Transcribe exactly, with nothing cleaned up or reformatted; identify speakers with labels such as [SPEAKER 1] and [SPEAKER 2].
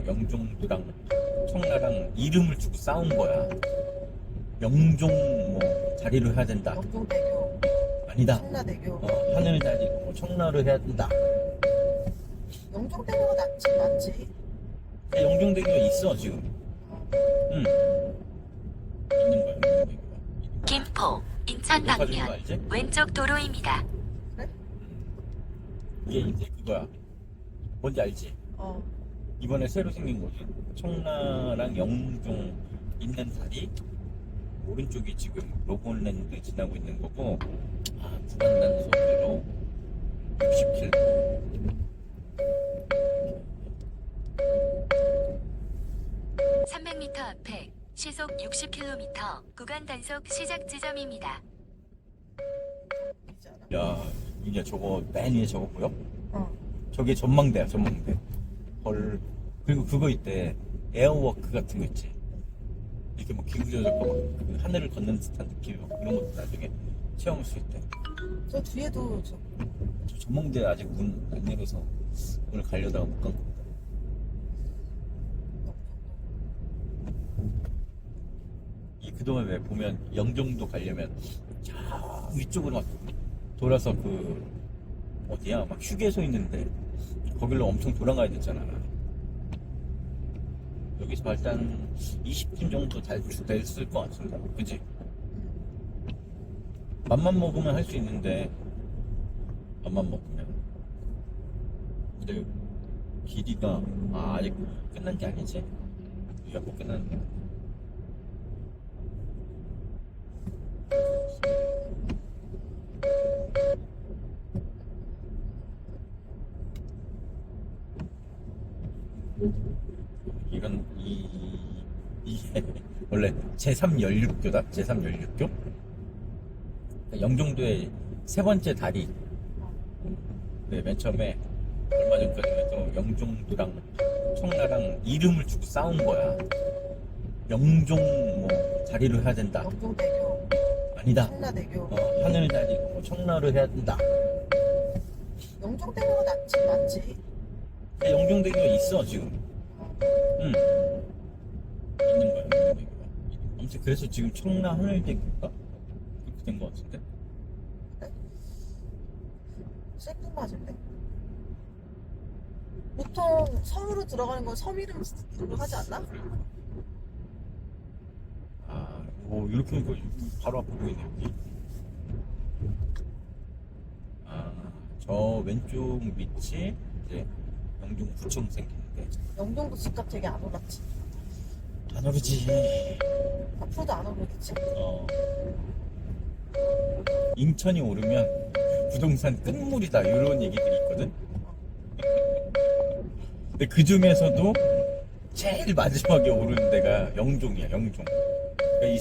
[SPEAKER 1] 영종도랑 청라랑 이름을 주고 싸운 거야. 영종 뭐 자리로 해야 된다.
[SPEAKER 2] 영종대교,
[SPEAKER 1] 아니다.
[SPEAKER 2] 청라대교.
[SPEAKER 1] 어, 하늘 자리 뭐 청라로 해야 된다.
[SPEAKER 2] 영종대교가 낫지, 낫지.
[SPEAKER 1] 영종대교가 있어 지금. 응. 있는 거야 영종대교가.
[SPEAKER 3] 김포, 인천
[SPEAKER 1] 높아진 거
[SPEAKER 3] 방면
[SPEAKER 1] 알지?
[SPEAKER 3] 왼쪽 도로입니다.
[SPEAKER 2] 그래?
[SPEAKER 1] 이게 이제 그거야. 뭔지 알지?
[SPEAKER 2] 어.
[SPEAKER 1] 이번에 새로 생긴 거지. 청라랑 영종 있는 다리 오른쪽이 지금 로본랜드 지나고 있는 거고, 아 구간 단속으로 육십 킬로미터.
[SPEAKER 3] 삼백 미터 앞에 시속 육십 킬로미터 구간 단속 시작 지점입니다.
[SPEAKER 2] 있지 않아?
[SPEAKER 1] 야, 이제 저거 맨 위에 저거 보여?
[SPEAKER 2] 어.
[SPEAKER 1] 저게 전망대야, 전망대. 헐. 그리고 그거 있대. 에어워크 같은 거 있지. 이렇게 뭐 기구 조절 거막 하늘을 걷는 듯한 느낌, 뭐 그런 것도 나중에 체험할 수 있대.
[SPEAKER 2] 저 뒤에도 저
[SPEAKER 1] 저 전망대 아직 문 안 열어서 오늘 가려다가 못 간 겁니다. 이 그동안 왜 보면 영종도 가려면 저 위쪽으로 막 돌아서 그 어디야 막 휴게소 있는데 거길로 엄청 돌아가야 됐잖아. 여기서 일단 이십 분 정도 잘 됐을 것 같은데, 그지? 맘만 먹으면 할 수 있는데 맘만 먹으면. 근데 길이가 아, 아직 끝난 게 아니지? 여기가 못 끝나는 거야. 이건 이 이게 원래 제삼 연륙교다. 제삼 연륙교. 영종도의 세 번째 다리. 네, 맨 처음에 얼마 전까지만 해도 영종도랑 청라랑 이름을 주고 싸운 거야. 영종 뭐 자리로 해야 된다.
[SPEAKER 2] 영종대교,
[SPEAKER 1] 아니다.
[SPEAKER 2] 청라대교.
[SPEAKER 1] 어, 하늘 자리 뭐 청라로 해야 된다.
[SPEAKER 2] 영종대교가 낫지, 낫지.
[SPEAKER 1] 영종대교가 있어 지금. 응. 있는 거야 영종대교가. 아무튼 그래서 지금 청라 하늘대교가 그렇게 된 거 같은데.
[SPEAKER 2] 셀프 맞을래? 보통 섬으로 들어가는 건 섬 이름으로 하지 않나?
[SPEAKER 1] 아, 오, 이렇게 하니까 바로 앞에 보이네, 여기. 아, 저 왼쪽 밑이 이제 영종구청 생기는데.
[SPEAKER 2] 영종도 집값 되게 안 올랐지.
[SPEAKER 1] 안 오르지.
[SPEAKER 2] 앞으로도 안 오르겠지?
[SPEAKER 1] 어. 인천이 오르면 부동산 끝물이다, 이런 얘기들이 있거든. 근데 그 중에서도 제일 마지막에 오르는 데가 영종이야, 영종.